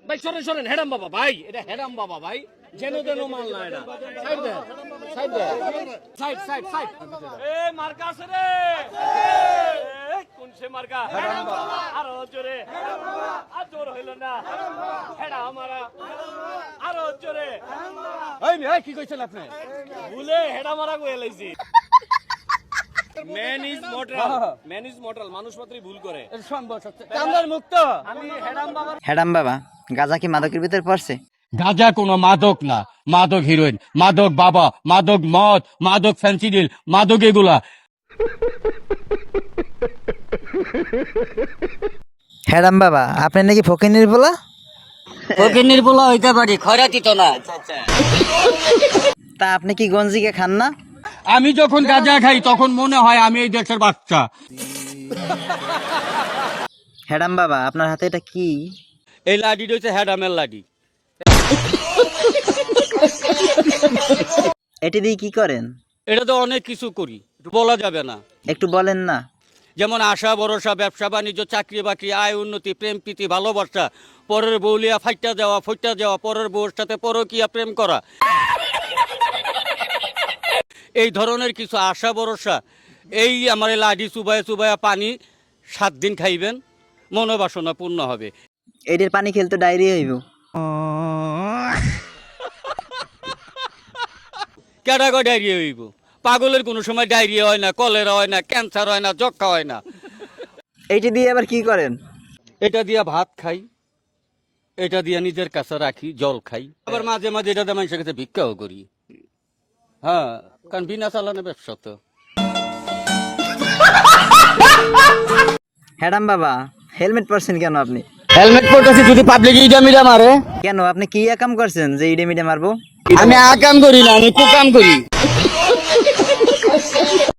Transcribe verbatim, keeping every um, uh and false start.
ভাই সরেন সরেন হেডাম বাবা ভাই, এটা হেডাম বাবা ভাই, যেন তেন মাল না এটা। সাইড দে সাইড দে সাইড সাইড সাইড। এ মার্কা আছে রে, এ কোন সে মার্কা? হেডাম বাবা। আরো জোরে, হেডাম বাবা। আর জোর হইল না, হেডাম বাবা। হেডা আমারা, আরো জোরে, হেডাম বাবা। এই মেয়ে কি কইছেন আপনি? ভুলে হেডা মারা কই লাইছি। Man is mortal, man is mortal, মানুষ মাত্রই ভুল করে। কামদার মুক্ত। আমি হেডাম বাবা। হ্যাডাম বাবা, গাঁজা কি মাদকের ভিতর পড়ছে? গাঁজা কোনো মাদক না, মাদক হিরোইন, মাদক বাবা, মাদক মদ, মাদক ফেন্সিডিল, মাদক এগুলা। হ্যাডাম বাবা, আপনি নাকি ফকিনির বলা? ফকিন্নির পোলা হইতে পারি, খয়রাতি তো না। তা আপনি কি গঞ্জিকে খান না? আমি যখন গাঁজা খাই তখন মনে হয় আমি এই দেশের বাচ্চা। হ্যাডাম বাবা, আপনার হাতে এটা কি? এই লাডিটা হচ্ছে হ্যাডামের লাডি। এটি দিয়ে কি করেন? এটা তো অনেক কিছু করি, বলা যাবে না। একটু বলেন না। যেমন আশা ভরসা, ব্যবসা বাণিজ্য, চাকরি বাকরি, আয় উন্নতি, প্রেম প্রীতি, ভালোবাসা, পরের বউলিয়া ফাইটা যাওয়া, ফইটা যাওয়া, পরের বউর সাথে পরকিয়া প্রেম করা, এই ধরনের কিছু আশা ভরসা। এই আমার এই লাডি চুবায়া চুবায়া পানি সাত দিন খাইবেন, মনোবাসনা পূর্ণ হবে। এটির পানি খেলতে ডায়রিয়া হইব। ক্যাটাগরি ডায়রিয়া হইব। পাগলের কোনো সময় ডায়রিয়া হয় না, কলেরা হয় না, ক্যান্সার হয় না, যক্ষা হয় না। এইটি দিয়ে আবার কি করেন? এটা দিয়া ভাত খাই, এটা দিয়া নিজের কাছে রাখি, জল খাই, আবার মাঝে মাঝে এটা দিয়ে মানুষের কাছে ভিক্ষাও করি। হ্যাঁ, কারণ বিনা চালানো ব্যবসা তো। হ্যাডাম বাবা, হেলমেট পরছেন কেন আপনি? হেলমেট পরতেছি যদি পাবলিক ইডা মিডা মারে। কেন, আপনি কি কাম করছেন যে ইডে মিডে মারবো? আমি আকাম করি না, আমি কুকাম করি।